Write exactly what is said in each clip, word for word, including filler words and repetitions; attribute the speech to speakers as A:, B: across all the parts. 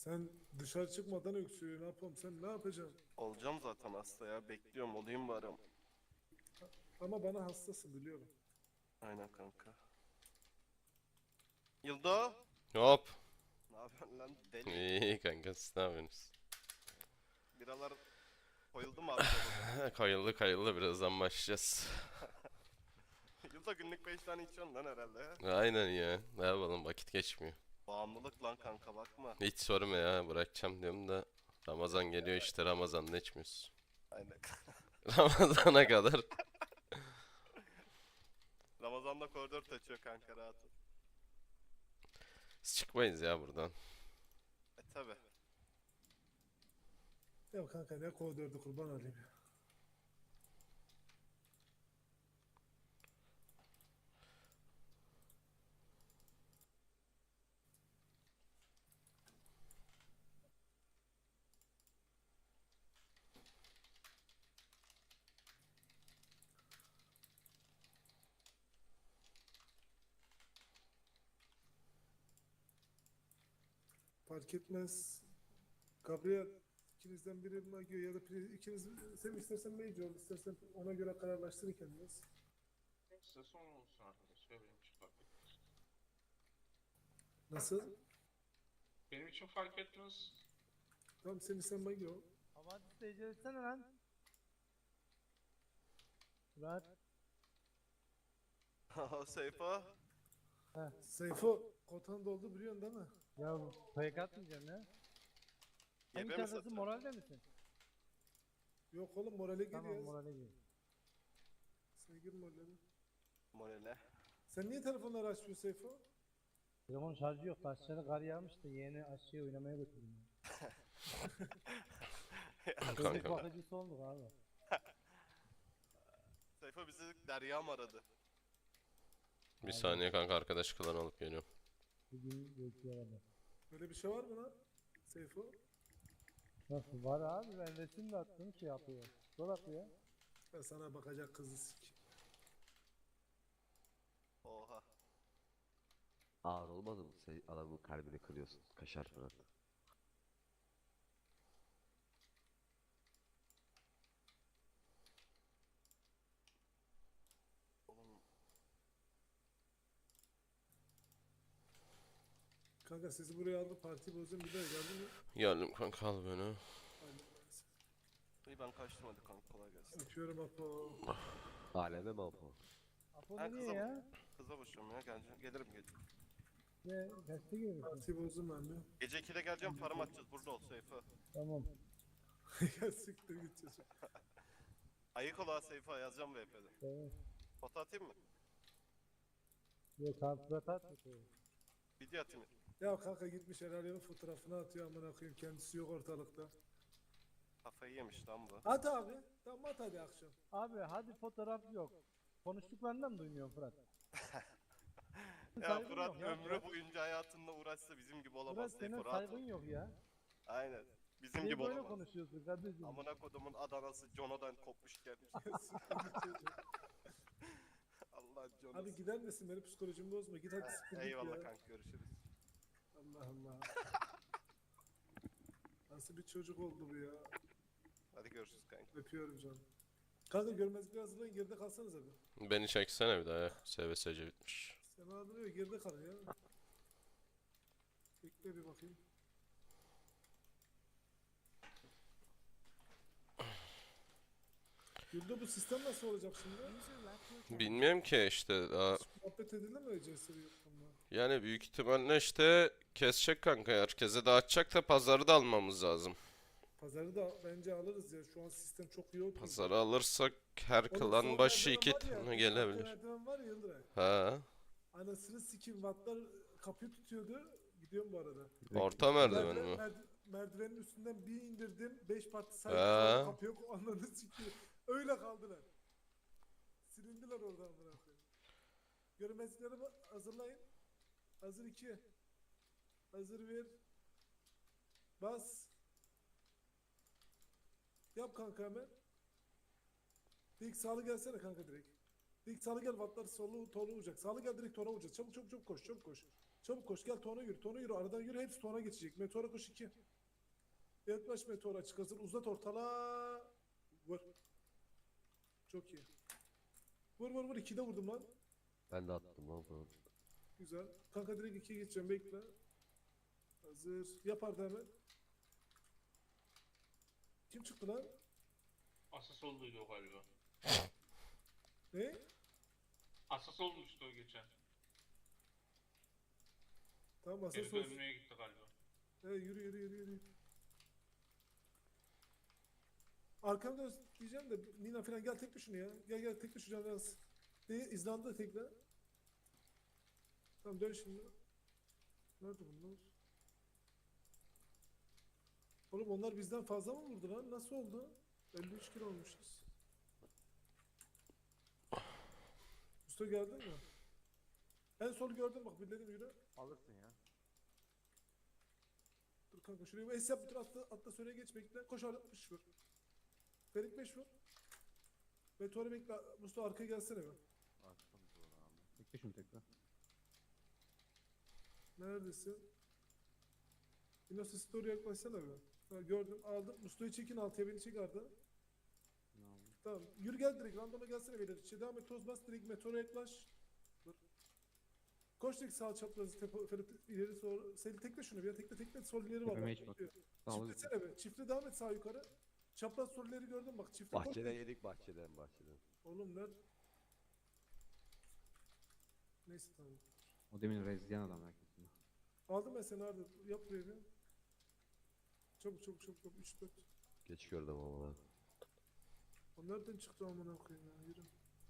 A: Sen dışarı çıkmadan öksürüyor. Ne yapalım? Sen ne yapacaksın?
B: Olacağım zaten hasta ya. Bekliyorum olayım bari.
A: Ama bana hastasın biliyorum.
B: Aynen kanka. Yıldo.
C: Hop.
B: Ne yapıyorsun lan deli?
C: İyi kanka, siz ne yapıyorsunuz?
B: Biralar koyuldu mu abi sobada?
C: Kayıldı kayıldı, birazdan başlayacağız.
B: Yıldo günlük beş tane içiyorsun lan herhalde ya.
C: Aynen ya. Ne yapalım, vakit geçmiyor.
B: Bağımlılık lan kanka bakma.
C: Hiç sorma ya, bırakacağım diyorum da. Ramazan geliyor işte, Ramazan'da içmiyoruz.
B: Aynen.
C: Ramazana kadar.
B: Ramazan'da koridor taşıyor kanka rahat ol.
C: Biz çıkmayız ya buradan.
B: E tabi.
A: Ya kanka ne koridordu kurban olayım ya. Fark etmez. Gabriel ikinizden biri Magio ya da Pri- ikiniz sen istersen Major istersen ona göre kararlaştırın kendiniz.
D: Size son olsun arkadaşlar. Benim için fark etmez.
A: Nasıl?
D: Benim için fark etmez.
A: Tamam sen sen Magio.
E: Havadis tecrübe etsene lan. Murat.
B: Seyfa.
A: Seyfo kotan doldu biliyorsun değil mi?
E: Ya bu fake atmayacaksın ya. Hangi
B: Yebe mi
E: taraftasın,
B: satıyor?
E: moralde misin?
A: Yok oğlum morale
E: Tamam,
A: geliyor.
E: morale gir.
A: Sen gir morale.
B: Morale.
A: Sen niye telefonları açmıyorsun Seyfo?
E: Telefon şarjı yok. Aşağıda kar yağmış da yeğeni aşağıya oynamaya götürdüm. Çocuk
C: Kanka.
E: bakıcısı olduk abi.
B: Seyfa bizi Derya mı aradı?
C: Bir saniye kanka, arkadaş kılan alıp geliyorum.
E: Bugün bekliyor adam.
A: Böyle bir şey var mı lan? Seyfo?
E: Nasıl var abi, ben resim de attım şey yapıyor. Sol atıyor.
A: Ben sana bakacak kızı sik.
B: Oha.
F: Ağır olmadı mı? Sen adamın kalbini kırıyorsun. Kaşar Fırat.
B: Oğlum
A: Kanka sizi buraya aldı parti bozdum bir daha geldin mi?
C: Geldim kanka, al beni.
A: Aynen.
B: iyi ben kaçtım hadi kanka kolay gelsin.
A: Öpüyorum Apo.
F: Aleme mi Apo?
E: Apo
B: Ha,
E: nereye
B: kızım.
E: ya?
B: Kıza boşuyorum ya geleceğim. Gelirim gece.
E: Ne? Kaçta gelirsin?
A: Parti bozdum ben de.
B: Gece ikide geleceğim param atacağız burada ol Seyfa.
E: Tamam.
A: Ya siktir git çocuk.
B: Ayık ol ha Seyfa yazacağım V P'de.
E: Tamam.
B: Foto atayım mı?
E: Yok kanka at mı?
B: Video atayım.
A: Ya kanka gitmiş Eralyon'un fotoğrafını atıyor amına koyayım kendisi yok ortalıkta.
B: Kafayı yemiş lan bu.
A: At abi. Tamam at hadi akşam.
E: Abi hadi fotoğraf yok. Konuştuklarından mı duymuyorsun Fırat?
B: Ya
E: Saygın
B: Fırat
E: yok ya,
B: ömrü
E: Fırat.
B: boyunca hayatında uğraşsa bizim gibi olamaz
E: Fırat
B: Seyfa
E: senin
B: rahat ol.
E: saygın yok ya.
B: Aynen. Bizim
E: Niye
B: gibi
E: böyle
B: olamaz.
E: konuşuyorsun kardeşim?
B: Amına kodumun Adana'sı Jono'dan kopmuş gelmiş. Allah Jono'su.
A: Abi gider misin beni psikolojimi bozma git hadi siktir git
B: Eyvallah
A: ya.
B: kanka görüşürüz.
A: Allah Allah. Nasıl bir çocuk oldu bu ya.
B: Hadi görüşürüz kanka.
A: Öpüyorum canım. Kanka görmezlikle hazırlayın geride kalsanız abi.
C: Beni çeksene bir daha ya. S V S C bitmiş.
A: Sen hazırlıyor geride kal ya. Bekle bir bakayım. Yurda bu sistem nasıl olacak şimdi?
C: Bilmiyorum ki işte daha.
A: Muhabbet edilemeyecek yurtunda.
C: Yani büyük ihtimalle işte kesecek kanka. Herkese dağıtacak da pazarı da almamız lazım.
A: Pazarı da bence alırız ya. Şu an sistem çok iyi oldu.
C: Pazarı alırsak her
A: Oğlum,
C: klan
A: sol
C: başı
A: merdiven
C: iki
A: var ya,
C: tane
A: üst
C: gelebilir.
A: merdiven var ya Yıldıray.
C: Ha.
A: Anasını sikim wattlar kapıyı tutuyordu. Gidiyorum bu arada.
C: Orta merdiven
A: Merdiven,
C: mi?
A: merdi- merdivenin üstünden bir indirdim. Beş parti
C: Ha.
A: saydım. Kapı yok. Ananı sikiyor. Öyle kaldılar. Silindiler oradan amına koyayım. Görmezlikleri ba- hazırlayın. Hazır iki. Hazır bir. Bas. Yap kanka hemen. Dik sağlı gelsene kanka direkt. Dik sağlı gel wattlar solu tola olacak. Sağlı gel direkt tola olacak. Çabuk çabuk çabuk koş çabuk koş. Çabuk koş gel tona yürü. Tona yürü. Aradan yürü. Hepsi tona geçecek. Meteora koş iki. Yaklaş meteora çık hazır. Uzat ortala. Vur. Çok iyi. Vur vur vur. ikide vurdum lan.
F: Ben de attım lan falan.
A: Güzel. Kanka direkt ikiye geçeceğim. Bekle. Hazır. Yapar da hemen. Kim çıktı lan?
D: Asas olduydu o galiba.
A: Ne?
D: Asas olmuştu o geçen.
A: Tamam asas
D: Geri
A: olsun.
D: dönmeye gitti galiba.
A: He, yürü yürü yürü yürü. Arkamda diyeceğim de Nina falan gel tek şunu ya. Gel gel tek düşeceğim biraz. De İzlanda da tekle. Tamam dön şimdi. Nerede bunlar? Oğlum onlar bizden fazla mı vurdu lan? Nasıl oldu? elli üç kilo olmuşuz. Usta geldin mi? En sol gördün bak birledim yürü.
E: Alırsın ya.
A: Dur kanka şuraya bir es yap bitir atla, atla söyle geç bekle. Koş altmış vur. Ferik beş vur. Meteor'u bekle. Mustafa arkaya gelsene be.
E: Attım doğru abi. Tekle şunu tekle.
A: Neredesin? Innocent Story yaklaşsana be. Ha, gördüm aldım. Mustafa'yı çekin altıya beni çek Arda.
E: Ne oldu?
A: Tamam. Yürü gel direkt. Randoma gelsene beyler. İçe devam et. Toz bas direkt Meteor'a yaklaş. Dur. Koş direkt sağ çaprazı. Tepe, Ferit ileri sonra. Seni tekle şunu. Bir tekle tekle. Sol ileri var.
E: Tepeme
A: Bak,
E: hiç bak.
A: bekliyor.
E: Tamam,
A: Çiftlesene be. Çiftle devam et sağ yukarı. Çapraz sol ileri gördün bak. Çiftle koş.
F: Bahçeden yedik bahçeden bahçeden.
A: Oğlum nerede? Neyse tamam.
E: O demin rezleyen adam herkesinde.
A: Aldım ben seni Arda. Yap buraya bir. Çabuk çabuk çabuk çabuk. üç dört.
F: Geç gördüm ama lan.
A: O nereden çıktı amına koyayım ya? Yürü.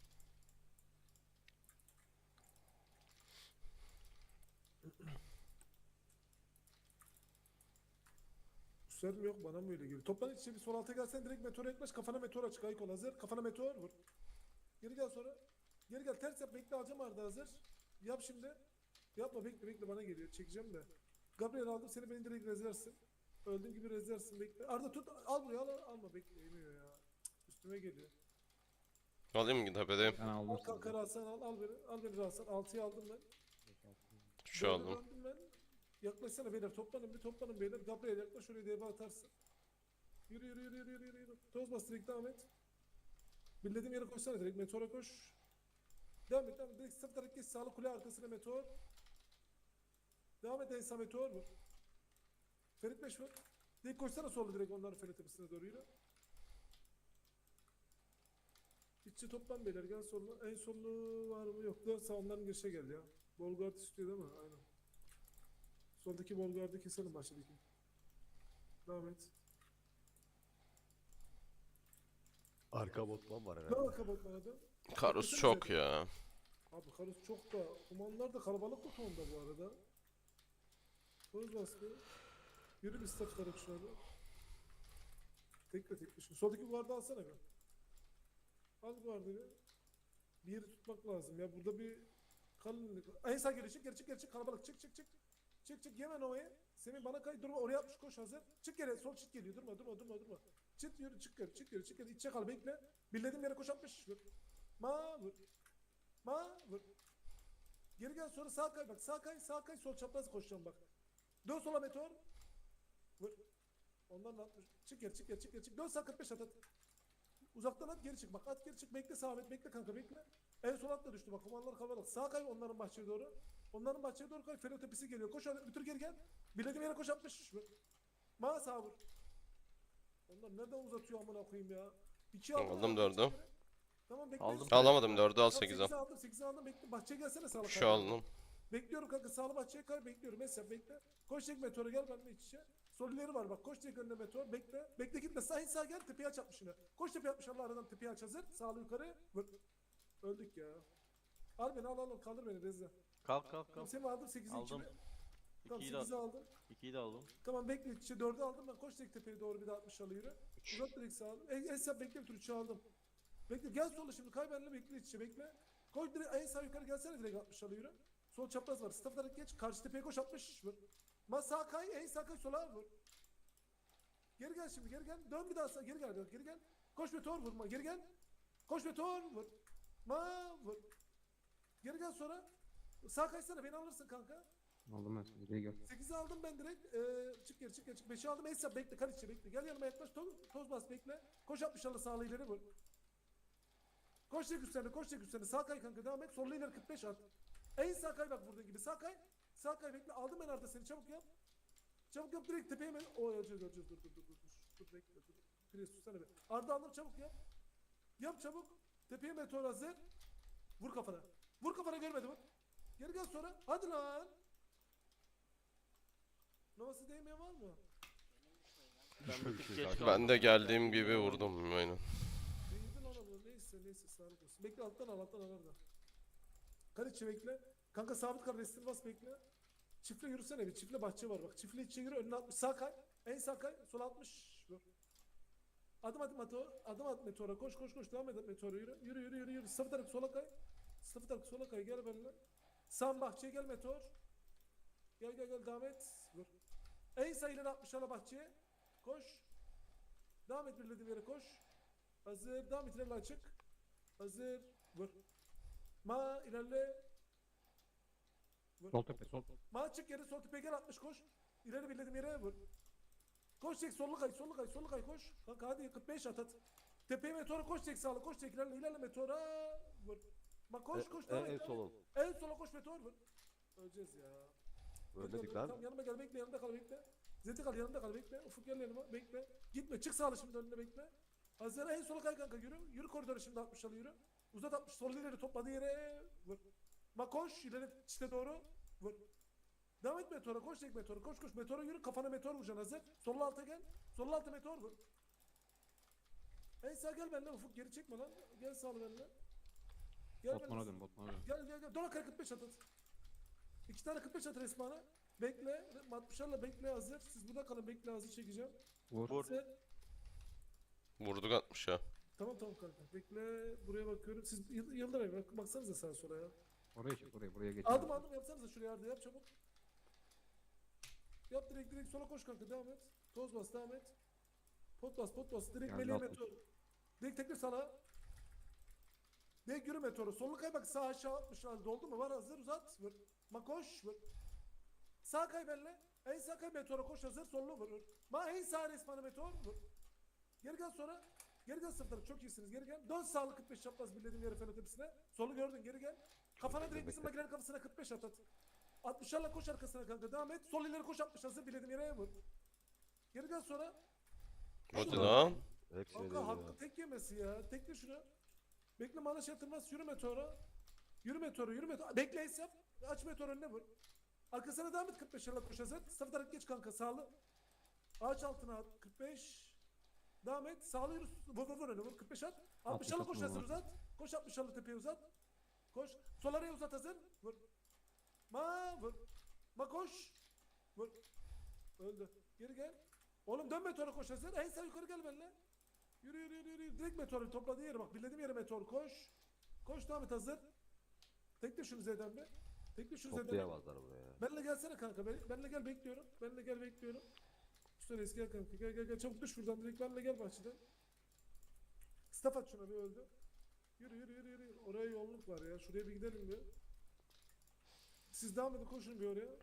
A: Üstler mi yok bana mı öyle geliyor? Toplan içe bir sol alta gelsen direkt meteora yaklaş. Kafana meteor aç. Kayık ol hazır. Kafana meteor vur. Geri gel sonra. Geri gel ters yap. Bekle alacağım Arda hazır. Yap şimdi. Yapma bekle bekle bana geliyor. Çekeceğim de. Gabriel aldım seni beni direkt rezersin. Öldüğüm gibi rezersin bekle. Arda tut al buraya al al. Alma bekle yemiyor ya. Cık, üstüme geliyor.
C: Alayım mı tepedeyim?
E: Ben aldım
A: Al
E: sizi.
A: kanka Rasan al al beni. Al beni Rasan. altıyı aldım ben.
C: Şu
A: Böyle
C: aldım.
A: döndüm ben. Yaklaşsana beyler toplanın bir toplanın beyler. Gabriel yaklaş oraya deva atarsın. Yürü yürü yürü yürü yürü yürü. yürü. Toz bas direkt devam et. Bildiğim yere koşsana direkt meteora koş. Devam et devam et. Direkt sırtarak geç sağlı kule arkasına meteor. Devam et Ensa meteor vur. Ferit beş vur. Direkt koşsana solda direkt onların Ferit tepesine doğru yürü. İççi toplan beyler gel soluna. En sollu var mı yok. Dön sağ onların girişe gel ya. Bolgard istiyor değil mi? Aynen. Soldaki Bolgard'ı keselim baştaki. Devam et.
F: Arka botman var
A: Ne
F: herhalde.
A: var kapatmana da?
C: Karus çok ya.
A: Abi karus çok da. Kumanlar da kalabalık bu tonda bu arada. Toz bastı. Yürü bir staff taraf şuna da. Tekle tekle şunu. Soldaki guardı alsana bir. Al guardı bir. Bir yeri tutmak lazım ya. Burada bir kalınlık. En sağ geri çık geri çık geri çık. Kalabalık çık çık çık. Çık çık yeme Nova'ya. Semih bana kay durma oraya atmış koş hazır. Çık geri sol çık geliyor durma durma durma durma. Çık yürü çık geri çık geri çık geri. İçe kal bekle. Bildiğim yere koş atmış. Vur. Ma vur. Ma vur. Geri gel sonra sağ kay bak sağ kay sağ kay sol çapraz koşacağım bak. Dön sola meteor. Vur. Ondan da atmış. Çık geri çık geri çık geri çık. Dön sağ kırk beş at at. Uzaktan at geri çık bak at geri çık bekle sağ et bekle kanka bekle. En sol at da düştü bak kumanlar kalabalık. Sağ kay onların bahçeye doğru. Onların bahçeye doğru kay Felo tepesi geliyor. Koş hadi bir tür geri gel. Bilediğim yere koş atmış. Vur. Ma sağ vur. Onlar nereden uzatıyor amına koyayım ya. İki aldım.
C: Aldım dördü.
A: Tamam bekle.
G: Aldım.
C: Alamadım dördü al
A: Tamam,
C: sekiz al.
A: sekizi aldım sekizi aldım bekle. Bahçeye gelsene sağlık.
C: Şu aldım.
A: Bekliyorum kanka sağlı bahçeye kay bekliyorum. Mesela bekle. Koş tek meteora gel benimle iç içe. Sol ileri var bak koş tek önüne meteor bekle. Bekle gitme sağ in sağ gel tepeye aç atmış yine. Koş tepeye atmış Allah aradan tepeye aç hazır. Sağlı yukarı. Vur. Öldük ya. Al beni al al al kaldır beni Rezza.
G: Kalk kalk
A: Tamam
G: kalk.
A: seni aldım sekizi
G: Aldım.
A: içime. Tamam
G: ikiyi de
A: sekizi
G: aldım.
A: aldım.
G: ikiyi de aldım.
A: Tamam bekle iç içe dördü aldım ben koş tek tepeye doğru bir daha altmış alı yürü. Uzat direkt sağ en, en sağ bekle bir tur üçü aldım. Bekle gel sola şimdi kay benimle bekle iç içe bekle. Koş direkt en sağ yukarı gelsene direkt altmış alı yürü. Sol çapraz var. Staff olarak geç. Karşı tepeye koş altmış vur. Ma sağ kay en sağ kay sola vur. Geri gel şimdi geri gel. Dön bir daha sağ geri gel geri gel. Koş meteor vurma geri gel. Koş meteor vur. Ma vur. Geri gel sonra. Sağ kaysana beni alırsın kanka.
G: Aldım ben seni. Geri gel.
A: sekizi aldım ben direkt. Ee, çık geri çık geri çık. beşi aldım. Esra bekle. Kaliçe bekle. Gel yanıma yaklaş. Toz, toz bas bekle. Koş altmış allı sağlı ileri vur. Koş tek üstlerine. Koş tek üstlerine. Sağ kay kanka devam et. Sollu ileri kırk beş at. En sağ kay bak vurduğun gibi. Sağ kay. Sağ kay bekle. Aldım ben arada seni. Çabuk yap. Çabuk yap direkt tepeye mi? O öleceğiz öleceğiz. Dur dur dur dur. Dur, dur bekle dur. Pires tutsana be. Arda aldım çabuk yap. Yap çabuk. Tepeye meteor hazır. Vur kafana. Vur kafana görmedi vur. Geri gel sonra. Hadi lan. Novası değmeyen var mı?
B: Ben bir tık geç kaldım.
C: Ben de geldiğim gibi vurdum aynen.
A: Değdin ona bu. Neyse neyse sağlık olsun. Bekle alttan al alttan al orada. Kaliçe bekle. Kanka sabit kal restil bas bekle. Çiftle yürüsene bir. Çiftle bahçe var bak. Çiftle içe yürü önüne altmış. Sağ kay. En sağ kay. Sol altmış. Dur. Adım adım meteor. Adım at meteora. Koş koş koş. Devam et meteora yürü. Yürü yürü yürü yürü. Sıfır tarafı sola kay. Sıfır tarafı sola kay. Gel benimle. Sağ bahçeye gel meteor. Gel gel gel devam et. Vur. En sağ ileri altmış ala bahçeye. Koş. Devam et birlediğim yere koş. Hazır. Devam et ilerle açık. Hazır. Vur. Ma ilerle. Vur.
G: Sol tepe sol.
A: Ma çık yere sol tepeye gel altmış koş. İleri birlediğim yere vur. Koş çek sollu kay sollu kay sollu kay koş. Kanka hadi kırk beş at at. Tepeye meteora koş çek sağlı koş çek ilerle ilerle meteora vur. Ma koş
F: E-
A: koş
F: e-
A: devam
F: en
A: et.
F: solum.
A: En sola koş meteor vur. Öleceğiz ya.
F: Ölmedik
A: Tamam,
F: lan.
A: yanıma gel bekle yanımda kal bekle. Zeti kal yanımda kal bekle. Ufuk gel yanıma bekle. Gitme çık sağlı şimdi önüne bekle. Hazır en sola kay kanka yürü. Yürü koridoru şimdi altmış alı yürü. Uzat altmış sol ileri topladığı yere vur. Ma koş ileri çite doğru vur. Devam et meteora koş tek meteora koş koş meteora yürü kafana meteor vuracaksın hazır. Sollu alta gel. Sollu alta meteor vur. En sağ gel benimle Ufuk geri çekme lan. Gel sağlı benimle. Gel
G: Botmana
A: benimle.
G: dön botmana dön.
A: Gel gel gel. Dona kay kırk beş at at. İki tane kırk beş at resmana. Bekle. altmışlarla bekle hazır. Siz burada kalın bekle hazır çekeceğim.
G: Vur.
B: Vur.
A: Sen-
C: Vurduk atmış ya.
A: Tamam tamam kanka. Bekle. Buraya bakıyorum. Siz yıl- Yıldıray bak, baksanıza sağa sola ya.
G: Oraya çık oraya buraya geç.
A: Aldım aldım yapsanıza şuraya Arda yap çabuk. Yap direkt direkt sola koş kanka devam et. Toz bas devam et. Pot bas pot bas. Direkt
G: Geldi
A: meleğe
G: altmış.
A: meteor. Direkt tekrar sana. Direkt yürü meteoru. Sollu kay bak sağ aşağı atmış halde oldu mu? Var hazır uzat. Vur. Ma koş vur. Sağ kay benle. En sağ kay meteora koş hazır. Sollu vur. vur. Ma en sağ resmana meteor vur. Geri gel sonra. Geri gel sırtları çok iyisiniz geri gel. Dön sağlı kırk beş çapraz birlediğim yere fenotepsine. Solu gördün geri gel. Kafana direkt bizim makinenin kafasına kırk beş at at. altmışlarla koş arkasına kanka devam et. Sol ileri koş altmış hazır birlediğim yere vur. Geri gel sonra.
C: Hadi
A: Şuna.
C: lan.
F: Hepsine
A: Kanka
F: değdi
A: hakkı
F: ya.
A: tek yemesi ya. Tekle şunu. Bekle manaş yatırmaz. Yürü meteora. Yürü meteora yürü meteora. Bekle es yap. Aç meteor önüne vur. Arkasına devam et kırk beş koş hazır. Sıfır taraf geç kanka sağlı. Ağaç altına at. kırk beş. Devam et. Sağlı yürü. Vur vur vur önüne vur. kırk beş at. altmış koş
G: atma
A: hazır
G: var.
A: uzat. Koş altmış tepeye uzat. Koş. Sol araya uzat hazır. Vur. Ma vur. Ma koş. Vur. Öldü. Geri gel. Oğlum dön meteora koş hazır. En sağ yukarı gel benimle. Yürü yürü yürü yürü. Direkt meteoru topladığı yere bak. Bildiğim yere meteor koş. Koş devam et hazır. Tekle şunu Z'den be. Tekle şunu Z'den.
F: Toplayamazlar buraya.
A: Benle gelsene kanka. Ben, benle gel bekliyorum. Benle gel bekliyorum. Üstelik gel kanka. Gel gel gel. Çabuk düş buradan. Direkt benle gel bahçeden. Staff at şuna bir öldü. Yürü yürü yürü yürü. Oraya yolluk var ya. Şuraya bir gidelim bir. Siz devam edin koşun bir oraya.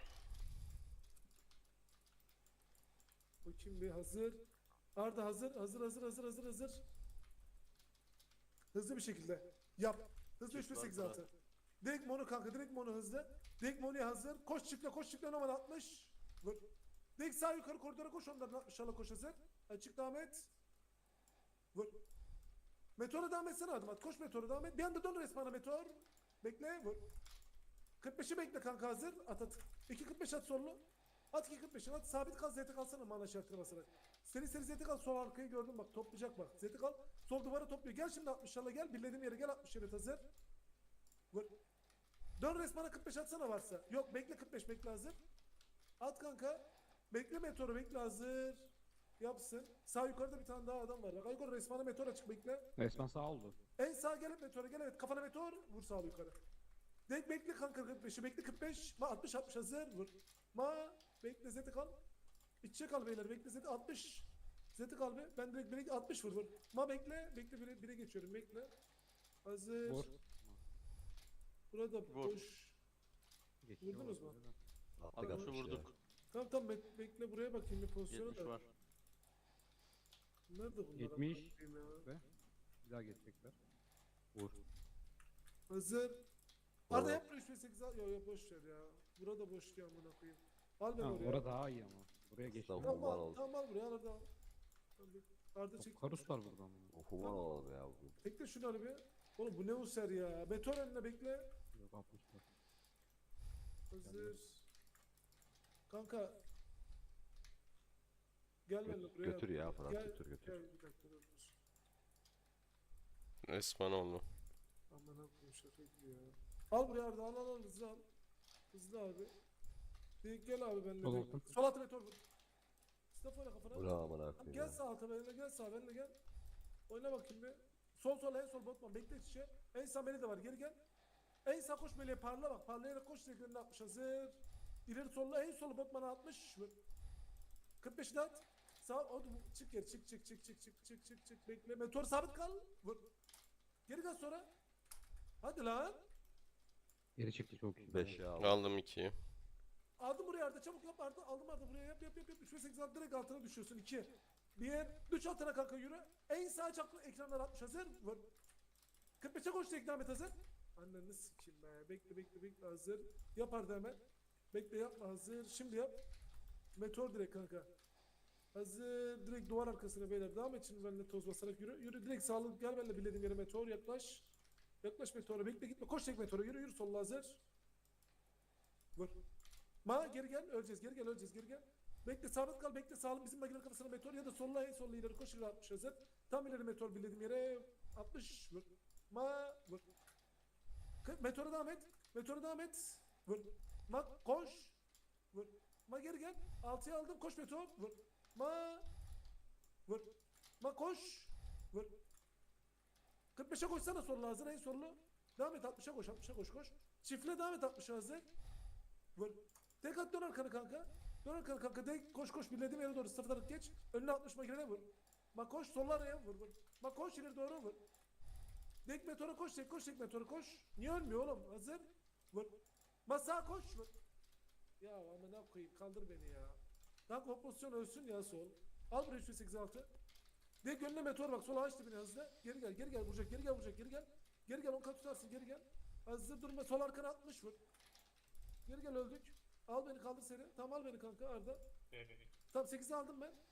A: Bakayım bir hazır. Arda hazır. Hazır hazır hazır hazır hazır. Hızlı bir şekilde. Yap. Hızlı üç bir sekiz altı. Direkt mono kanka. Direkt mono hızlı. Direkt monoya hazır. Koş çıkla koş çıkla normal altmış. Vur. Direkt sağ yukarı koridora koş onların altmışlarla koş hazır. Açık devam et. Vur. Meteora devam etsene adım at. Koş meteora devam et. Bir anda dön resmana meteor. Bekle vur. kırk beşi bekle kanka hazır. At at. iki kırk beş at sollu. At iki kırk beşi at. Sabit kal zete kalsana mana şartına basarak. Seri seri zete kal sol arkayı gördüm bak toplayacak bak. Zete kal. Sol duvara topluyor. Gel şimdi altmışlarla gel. Birlediğim yere gel altmış evet hazır. Vur. Dön resmana kırk beş atsana varsa. Yok bekle kırk beş bekle hazır. At kanka. Bekle meteoru bekle hazır. Yapsın. Sağ yukarıda bir tane daha adam var. Bak yukarı resmana meteor açık bekle.
G: Resmen sağ oldu.
A: En sağ gel meteora gel evet. Kafana meteor vur sağ yukarı. Direkt bekle kanka kırk beşi bekle kırk beş. Ma altmış altmış hazır vur. Ma bekle zeti kal. İçe kal beyler bekle zeti altmış. Zeti kal be. Ben direkt bire altmış vur vur. Ma bekle. Bekle bire, bire geçiyorum bekle. Hazır.
G: Vur.
A: Burada
B: Vur.
A: boş.
G: Geçiyor
A: Vurdunuz mu?
G: oradan.
F: Attık
A: Abi,
F: attık
B: Şu
F: ya.
B: vurduk.
A: Tamam tamam bek- bekle buraya bakayım bir pozisyona
B: yetmiş
A: da.
B: var.
A: Nerede bunlar?
G: yetmiş.
A: amına koyayım ya?
G: Ve bir daha geçecekler. Vur.
A: Hazır.
F: Doğru.
A: Arda yap üç ve sekiz al. Yok yok boş ver ya. Burada boş ya amına koyayım. Al ben
G: Ha,
A: oraya.
G: orada daha iyi ama. Buraya geçti.
F: Tamam.
A: Tamam
F: Human
A: al,
F: oldu.
A: tamam al buraya Arda al. Tamam, bir- Arda çek.
G: Karus var burada ama.
F: O human olalım ya bugün.
A: Bekle şunları bir. Oğlum bu ne user ya. Meteor önüne bekle.
G: Yok altmış var.
A: Hazır. Kanka. Gel benimle buraya.
F: Götür ya Fırat
A: Gel,
F: götür götür.
A: Gel bir dakika dur. dur.
C: Resmen oldu.
A: Aman akıllı şaka gibi ya. Al buraya Arda al al al hızlı al. Hızlı abi. Bir gel abi benimle.
G: Sol
A: bir-
G: olsun.
A: Sol altı meteor vur. Stop oyna kafana.
F: Ula aman
A: Tamam,
F: akıyım
A: gel
F: ya.
A: sağ alta benimle gel sağ benimle gel. Oyna bakayım bir. Sol sol en sol botman bekle iç içe. En sağ beni de var geri gel. En sağ koş meleğe parla bak. Parlayarak koş teklerine atmış hazır. İleri solla en solu botmana atmış. Vur. kırk beşi at. Sağ o çık geri çık çık çık çık çık çık çık çık bekle. Meteor sabit kal. Vur. Geri gel sonra. Hadi lan.
G: Geri çıktı çok iyi.
F: beşe al.
C: Aldım ikiyi.
A: Aldım buraya Arda çabuk yap Arda. Aldım Arda buraya yap yap yap. yap. üç ve sekiz at direkt altına düşüyorsun. iki. bir. üç altına kanka yürü. En sağ çaplı ekranlar atmış hazır. Vur. kırk beşe koş ekran et hazır. Anneni sikeyim be. Bekle bekle bekle hazır. Yap Arda hemen. Bekle yapma hazır. Şimdi yap. Meteor direkt kanka. Hazır. Direkt duvar arkasına beyler. Devam et şimdi benimle toz basarak yürü. Yürü direkt sağlık gel benimle bildiğin yere meteor yaklaş. Yaklaş meteora bekle gitme. Koş tek meteora yürü yürü solla hazır. Vur. Ma geri gel öleceğiz geri gel öleceğiz geri gel. Bekle sabit kal bekle sağlam bizim makine kafasına meteor ya da solla en solla ileri koş ileri altmış hazır. Tam ileri meteor bildiğim yere altmış vur. Ma vur. Kı- Meteora devam et. Meteora devam et. Vur. Ma koş. Vur. Ma geri gel. altıya aldım koş meteor. Vur. Ma vur. Ma koş. Vur. kırk beşe koşsana solla hazır en sollu. Devam et altmışa koş altmışa koş koş. Çiftle devam et altmışa hazır. Vur. Tek at dön arkanı kanka. Dön arkanı kanka. Tek koş koş bildiğim yere doğru sıfırdan geç. Önüne altmış makinene vur. Ma koş solla araya vur vur. Ma koş ileri doğru vur. Tek meteora koş tek koş tek meteora koş. Niye ölmüyor oğlum? Hazır. Vur. Ma sağa koş vur. Ya amına koyayım kaldır beni ya. Kanka o pozisyon ölsün ya sol. Al buraya üç yüz sekiz altı. De gönlüne meteor bak sola aç dibine hızlı. Geri gel geri gel vuracak geri gel vuracak geri gel. Geri gel on kat tutarsın geri gel. Hazır durma sol arkana atmış vur. Geri gel öldük. Al beni kaldır seni. Tamam al beni kanka Arda. Tamam sekizi aldım ben.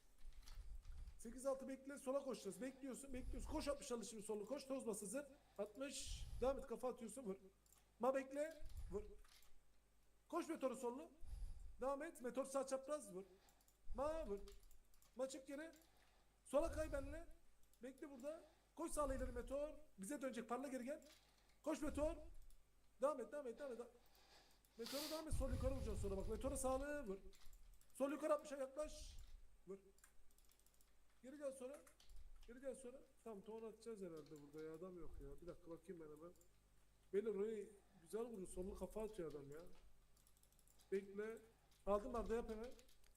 A: sekiz altı bekle sola koşacağız. Bekliyorsun bekliyorsun. Koş altmış alış şimdi solu koş. Toz bas hazır. altmış. Devam et kafa atıyorsun vur. Ma bekle. Vur. Koş meteoru sollu. Devam et. Meteor sağ çapraz vur. Ma vur. Ma çık geri. Sola kay benle. Bekle burada. Koş sağla ileri meteor. Bize dönecek parla geri gel. Koş meteor. Devam et devam et devam et. Meteora devam et sol yukarı vuracaksın sonra bak. Meteora sağlığı vur. Sol yukarı altmışa yaklaş. Vur. Geri gel sonra. Geri gel sonra. Tamam ton atacağız herhalde burada ya adam yok ya. Bir dakika bakayım ben hemen. Beyler orayı güzel vurur. Sollu kafa atıyor adam ya. Bekle. Aldım Arda yap hemen.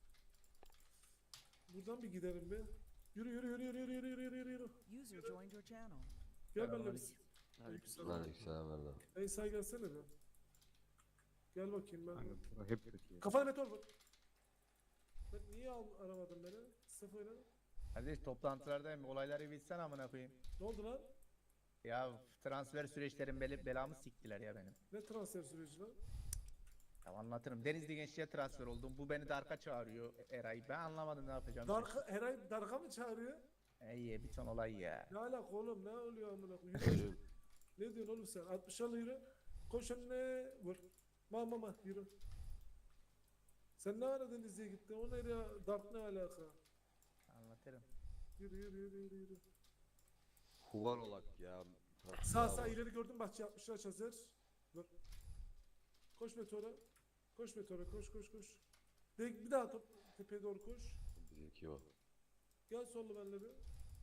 A: Buradan bir gidelim be. Yürü yürü yürü yürü yürü yürü yürü yürü yürü.
H: User joined your channel.
A: Gel benimle biz.
F: Lan yükselen ver lan.
A: Ey say gelsene be. Gel bakayım ben.
G: Kanka bura hep kötü. ya.
A: Kafana meteor vur. Ben niye al aramadın beni? Sıfır oynadım.
I: Kardeş toplantılardayım. Olayları bilsen amına koyayım.
A: Ne oldu lan?
I: Ya transfer süreçlerin bel belamı siktiler ya benim.
A: Ne transfer süreci lan?
I: Ya anlatırım. Denizli Gençliğe transfer oldum. Bu beni Dark'a çağırıyor Eray. Ben anlamadım ne yapacağım.
A: Darka, her ay Darka mı çağırıyor?
I: Ey bir ton olay ya.
A: Ne alaka oğlum ne oluyor amına koyayım? Yürü.
F: Yürü.
A: Ne diyorsun oğlum sen? altmış al yürü. Koş önüne vur. Ma ma ma yürü. Sen ne ara Denizli'ye gittin? O nereye? Dark ne alaka?
I: Anlatırım.
A: Yürü yürü yürü yürü yürü.
F: Human olak ya.
A: Sağ sağ ileri gördüm bahçe yapmışlar hazır. Vur. Koş meteora. Koş meteora koş koş koş. De, bir daha top tepeye doğru koş.
F: Bizimki o.
A: Gel sollu benle bir.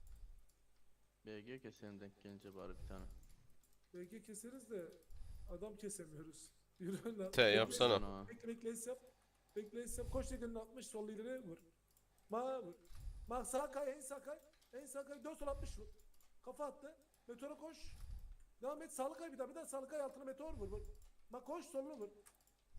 B: B G keselim denk gelince bari bir tane.
A: Belki keseriz de adam kesemiyoruz. Yürü lan.
C: T yapsana.
B: Ana.
A: Bekle bekle es yap. Bekle es yap. Koş tekerini altmış sol ileri vur. Ma vur. Ma sağ kay en sağ kay. En sağ kay dön sol altmış vur. Kafa attı. Meteora koş. Devam et sağlı kay bir daha bir daha sağlı kay altına meteor vur vur. Ma koş sollu vur.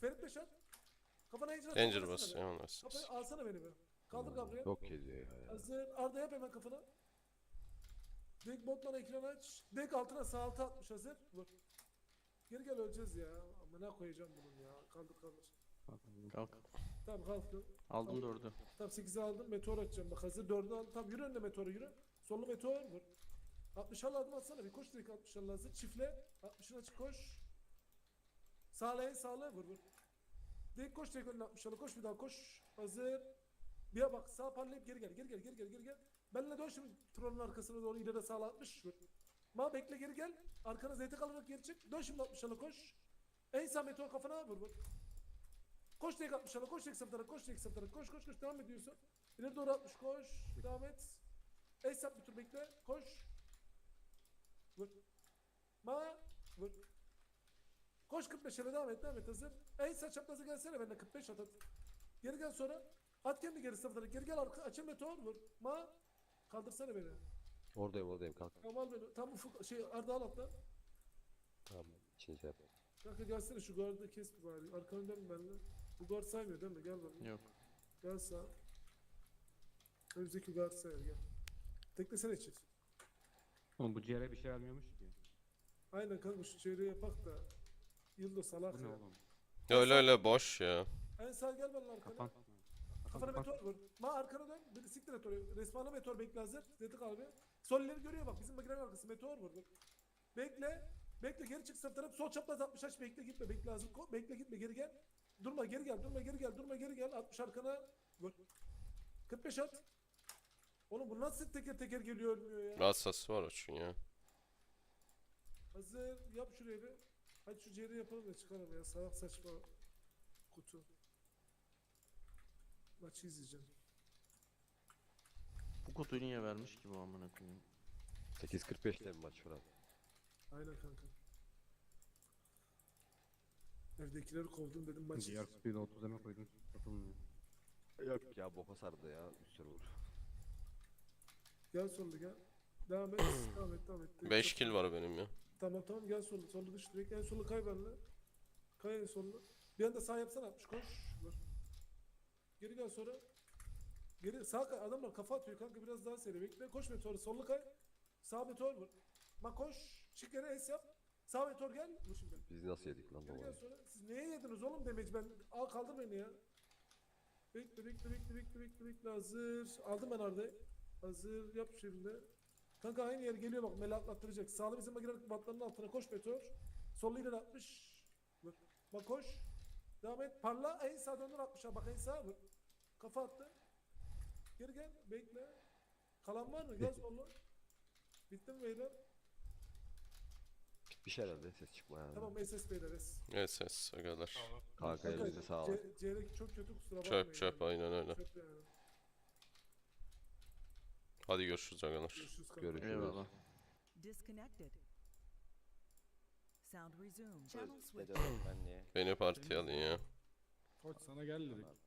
A: Ferit Beşer. Kafana Danger
C: Danger
A: bas.
C: bas. Yaman bas.
A: Kafayı alsana beni be. Kaldır Gabriel.
F: Yok ediyor ya.
A: Hazır. Arda yap hemen kafana. Dek botman ekran aç. Dek altına sağ altı atmış hazır. Vur. Geri gel öleceğiz ya. Amına koyacağım bunun ya. Kaldır kaldır.
G: Kalk.
H: Kalk.
A: Tamam kalktım.
H: Aldım dördü.
A: Tamam sekizi aldım. Meteor atacağım. Bak hazır dördü aldım. Tamam yürü önüne meteoru yürü. Sollu meteor vur. altmış adım atsana bir. Koş direkt altmış hazır. Çifle. altmışın açık koş. Sağla en sağla vur vur. Direkt koş direkt önüne altmış koş bir daha koş. Hazır. Bir bak sağ parlayıp geri gel. Geri gel geri gel geri gel. Benle dön şimdi Tron'un arkasına doğru ileri sağla altmış vur. Ma bekle geri gel. Arkana zeytin kalarak geri çık. Dön şimdi altmış koş. En sağ meteor kafana vur vur. Koş tek altmış koş tek saptara koş tek saptara koş koş koş devam ediyorsun. İleri doğru altmış koş. Devam et. En sap bir tur bekle. Koş. Vur. Ma vur. Koş kırk beşe devam et devam et hazır. En sağ çaprazı gelsene benimle kırk beş at at. Geri gel sonra. At kendi geri saptara. Geri gel arka açıl meteor vur. Ma kaldırsana beni.
F: Oradayım oradayım kalk.
A: Tamam al beni. Tam ufuk şey Arda al atla.
F: Tamam. İçini şey yap.
A: Kanka gelsene şu guardı kes bir bari. Arkanı dön benimle. Bu guard saymıyor değil mi? Gel bana.
H: Yok.
A: Gel sağ. Önümüzdeki guard sayar gel. Teklesene çift.
G: Oğlum bu ciğere bir şey vermiyormuş ki.
A: Aynen kanka şu çeyreği yapak da. Yıldo salak
G: Bu ne
A: ya.
G: oğlum?
C: Öyle öyle boş ya.
A: En sağ gel benimle arkana.
G: Kapan.
A: Kafana
G: Kapan,
A: meteor vur. Ma arkana dön. Bir siktir et oraya. Resmana meteor bekle hazır. Zedik abi. Sol ileri görüyor bak. Bizim makinenin arkası meteor vur. Bak. Bekle. Bekle geri çık saf taraf. Sol çapraz altmış aç bekle gitme. Bekle hazır. Ko- Bekle gitme geri gel. Durma geri gel. Durma geri gel. Durma geri gel. altmış arkana vur. kırk beş at. Oğlum bu nasıl teker teker geliyor ölmüyor ya.
C: Rahatsası var o çünkü ya.
A: Hazır. Yap şuraya bir. Hadi şu ciğeri yapalım da çıkalım ya. Salak saçma kutu. Maçı izleyeceğim.
H: Bu kutuyu niye vermiş ki bu amına koyayım?
F: sekiz kırk beşte mi maç Fırat?
A: Aynen kanka. Evdekileri kovdum dedim maçı
G: Diğer
A: izleyeceğim.
G: kutuyu da otuz eme koydun. Satılmıyor.
F: Yok ya boka sardı ya. Üst vur.
A: Gel sollu gel. Devam et. devam et devam et.
C: beş kill var benim ya.
A: Tamam tamam gel sollu. Sollu düş direkt. En sollu kay benimle. Kay en sollu. Bir anda sağ yapsana altmış koş. Vur. Geri gel sonra. Geri sağ kay. Adamlar kafa atıyor kanka biraz daha seri. Bekle koş meteoru. Sollu kay. Sağ meteor vur. Bak koş. Çık geri es yap. Sağ meteor gel. Vur şimdi.
F: Biz nasıl yedik lan
A: Geri
F: babayı?
A: gel sonra. Siz neye yediniz oğlum demeci ben. Al kaldır beni ya. Bekle bekle bekle bekle bekle bekle hazır. Aldım ben Arda'yı. Hazır yap şimdi. Kanka aynı yer geliyor bak Mela atlattıracak. Sağlı bizim makinenin batlarının altına koş meteor. Sollu ileri atmış. Vur. Bak koş. Devam et. Parla en sağ döndür atmışa bak en sağ vur. Kafa attı. Geri gel bekle. Kalan var mı? Gel sollu. Bitti mi beyler?
F: Bitmiş herhalde ses çıkmaya.
A: Tamam S S beyler S.
C: Evet ses agalar.
F: Kanka
A: Kanka,
F: elinize sağlık.
A: C- Ceyrek çok kötü kusura bakmayın.
C: Çöp çöp
A: yani.
C: aynen öyle.
A: Çöp yani.
C: Hadi görüşürüz agalar.
A: Görüşürüz kanka.
F: Görüşürüz.
H: Eyvallah.
J: Disconnected. Sound resumed. Channel switch.
C: Beni partiye alın ya.
G: Koç sana gel dedik.